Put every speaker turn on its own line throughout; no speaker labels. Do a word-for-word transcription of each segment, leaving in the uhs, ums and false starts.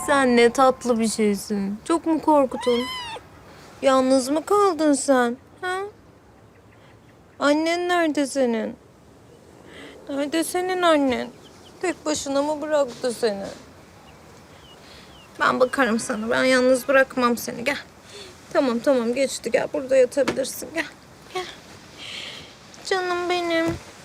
Sen ne tatlı bir şeysin. Çok mu korktun? Yalnız mı kaldın sen? Ha? Annen nerede senin? Nerede senin annen? Tek başına mı bıraktı seni? Ben bakarım sana. Ben yalnız bırakmam seni. Gel. Tamam tamam geçti. Gel burada yatabilirsin. Gel. Gel. Canım benim.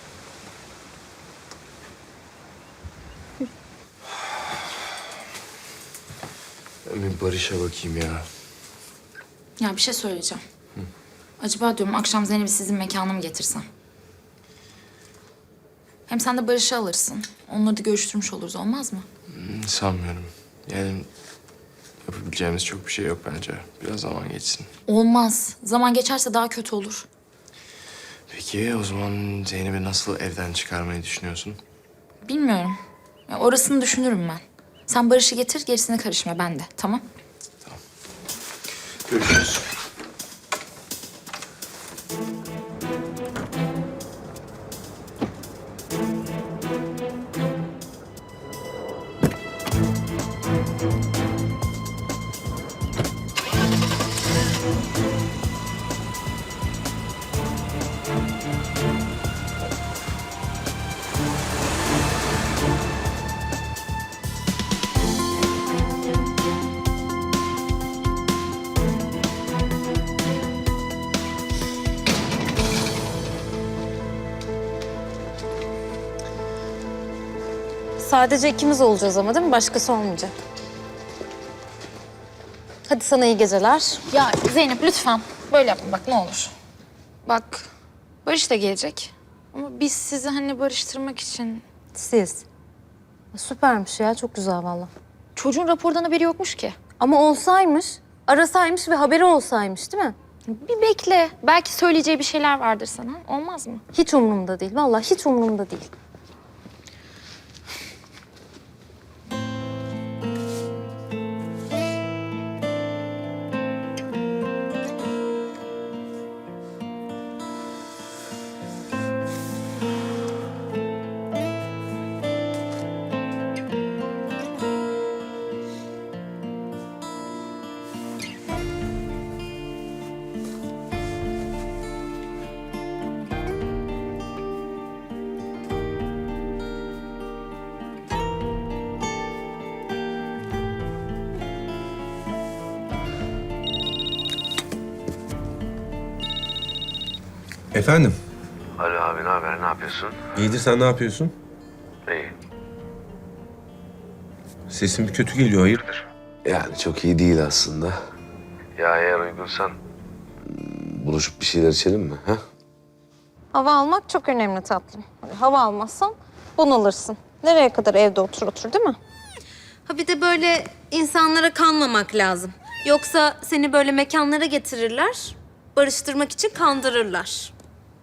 Ben bir Barış'a bakayım ya.
Ya bir şey söyleyeceğim. Hı. Acaba diyorum akşam Zeynep'i sizin mekana mı getirsem? Hem sen de Barış'ı alırsın. Onları da görüştürmüş oluruz, olmaz mı?
Hmm, sanmıyorum. Yani yapabileceğimiz çok bir şey yok bence. Biraz zaman geçsin.
Olmaz. Zaman geçerse daha kötü olur.
Peki o zaman Zeynep'i nasıl evden çıkarmayı düşünüyorsun?
Bilmiyorum. Ya orasını düşünürüm ben. Sen Barış'ı getir, gerisine karışma. Ben de. Tamam?
Görüşürüz.
Sadece ikimiz olacağız ama değil mi? Başkası olmayacak. Hadi sana iyi geceler.
Ya Zeynep lütfen. Böyle yapma bak ne olur. Bak Barış da gelecek. Ama biz sizi hani barıştırmak için...
Siz. Süpermiş ya. Çok güzel vallahi.
Çocuğun rapordan haberi yokmuş ki.
Ama olsaymış, arasaymış ve haberi olsaymış değil mi?
Bir bekle. Belki söyleyeceği bir şeyler vardır sana. Olmaz mı?
Hiç umurumda değil. Vallahi hiç umurumda değil.
Efendim?
Alo abi, ne haber? Ne yapıyorsun?
İyidir, sen ne yapıyorsun?
İyi.
Sesin bir kötü geliyor, hayırdır?
Yani çok iyi değil aslında. Ya eğer uygunsan buluşup bir şeyler içelim mi? Ha?
Hava almak çok önemli tatlım. Hava almazsan bunalırsın. Nereye kadar evde otur otur değil mi? Ha bir de böyle insanlara kanmamak lazım. Yoksa seni böyle mekanlara getirirler, barıştırmak için kandırırlar.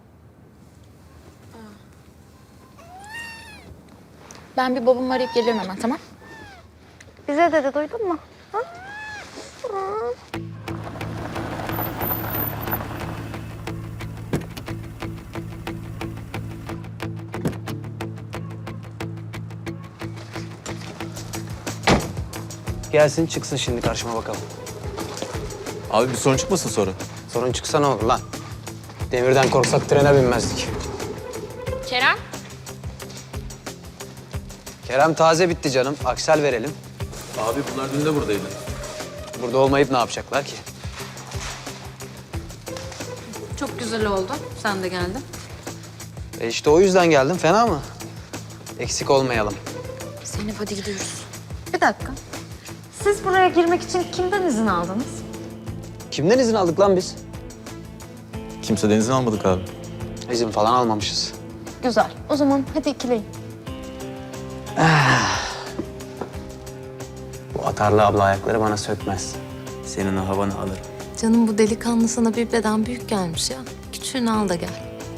Ben bir babamı arayıp gelirim hemen, tamam?
Bize dedi, duydun mu? Ha?
Gelsin çıksın şimdi karşıma bakalım.
Abi bir sorun çıkmasın sonra?
Sorun çıksa ne olur lan? Demirden korksak trene binmezdik.
Kerem?
Kerem taze bitti canım. Aksel verelim.
Abi bunlar dün de buradaydı.
Burada olmayıp ne yapacaklar ki?
Çok güzel oldu. Sen de geldin.
E işte o yüzden geldim. Fena mı? Eksik olmayalım.
Zeynep hadi gidiyoruz.
Bir dakika. Siz buraya girmek için kimden izin aldınız?
Kimden izin aldık lan biz?
Kimseden izin almadık abi.
İzin falan almamışız.
Güzel. O zaman hadi ikileyin.
Bu atarlı abla ayakları bana sökmez. Senin o havanı alırım.
Canım bu delikanlı sana bir beden büyük gelmiş ya. Küçüğünü al da gel.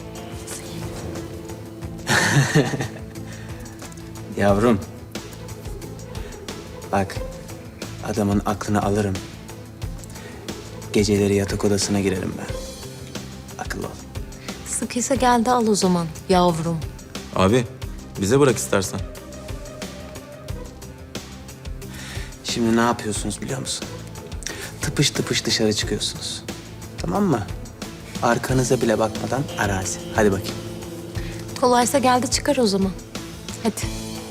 Yavrum. Bak, adamın aklını alırım. Geceleri yatak odasına girerim ben. Akıllı ol.
Sıkıysa gel de al o zaman yavrum.
Abi bize bırak istersen.
Şimdi ne yapıyorsunuz biliyor musun? Tıpış tıpış dışarı çıkıyorsunuz. Tamam mı? Arkanıza bile bakmadan arazi. Hadi bakayım.
Kolaysa geldi çıkar o zaman. Hadi.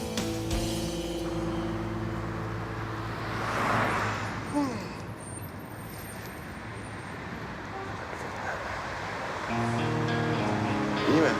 İyi mi?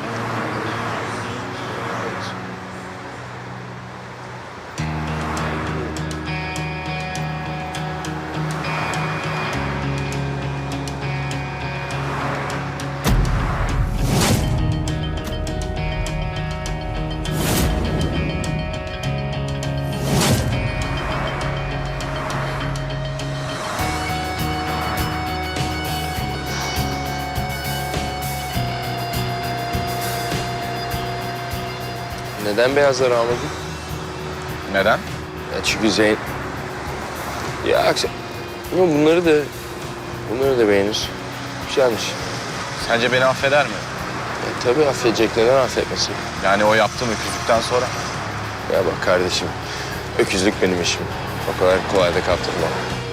Neden beyazları almadın?
Neden?
Ya çünkü Zeyn... Ya akşam... Ama bunları da... Bunları da beğenir. Güzelmiş.
Sence beni affeder mi?
Ya tabii affedecek, neden affetmesin?
Yani o yaptığım öküzlükten sonra.
Ya bak kardeşim, öküzlük benim işim. O kadar kolay da kaptırmam.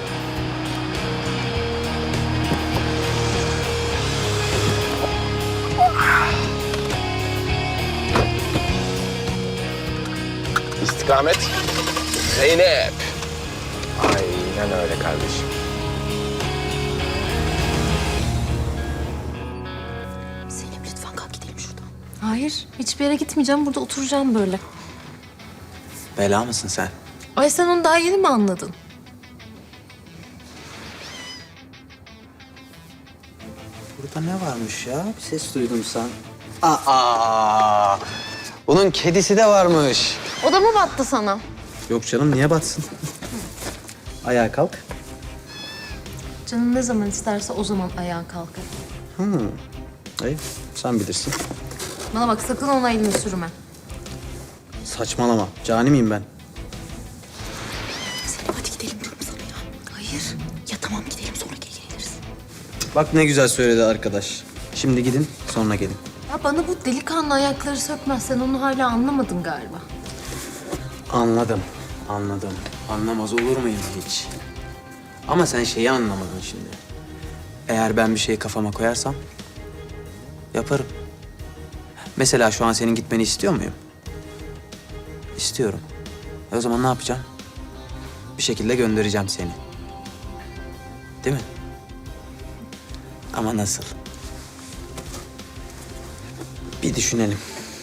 İstikamet Zeynep. Aynen öyle kardeşim.
Zeynep lütfen kalk gidelim şuradan. Hayır, hiçbir yere gitmeyeceğim. Burada oturacağım böyle.
Bela mısın sen?
Ay sen onu daha yeni mi anladın?
Burada ne varmış ya? Bir ses duydum sen. Aa! Bunun kedisi de varmış.
O da mı battı sana?
Yok canım, niye batsın? Ayağa kalk.
Canın ne zaman isterse o zaman ayağa kalkar.
Hmm. Hayır, sen bilirsin.
Bana bak sakın ona elini sürme.
Saçmalama. Cani miyim ben?
Zeynep hadi gidelim diyorum sana ya. Hayır. Ya tamam gidelim sonra geri geliriz.
Bak ne güzel söyledi arkadaş. Şimdi gidin, sonra gelin.
Ya bana bu delikanlı ayakları sökmez. Sen onu hala anlamadın galiba.
Anladım, anladım. Anlamaz olur muyum hiç? Ama sen şeyi anlamadın şimdi. Eğer ben bir şeyi kafama koyarsam yaparım. Mesela şu an senin gitmeni istiyor muyum? İstiyorum. E o zaman ne yapacağım? Bir şekilde göndereceğim seni. Değil mi? Ama nasıl? Bir düşünelim.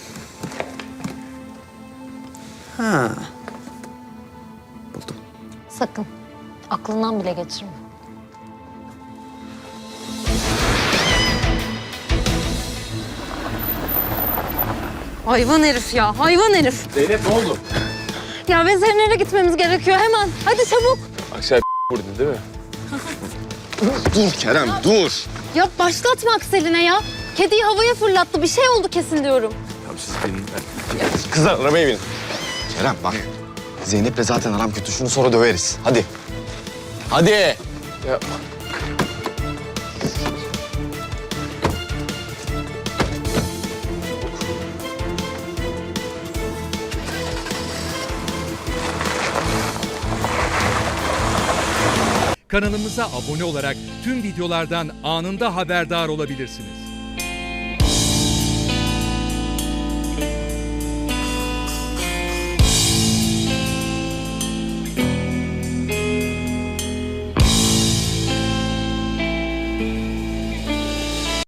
Ha. Buldum.
Sakın. Aklından bile geçirme. Hayvan herif ya, hayvan herif.
Zeynep ne oldu?
Ya veterinere gitmemiz gerekiyor hemen. Hadi çabuk.
Aksel vurdu değil mi? Dur Kerem, dur.
Ya başlatma Aksel'ine ya. Kediyi havaya fırlattı. Bir şey oldu kesin diyorum.
Tamam siz binin. Kızlar arabaya binin.
Kerem bak. Zeynep'le zaten aram kötü. Şunu sonra döveriz. Hadi. Hadi.
Yapma.
Kanalımıza abone olarak tüm videolardan anında haberdar olabilirsiniz.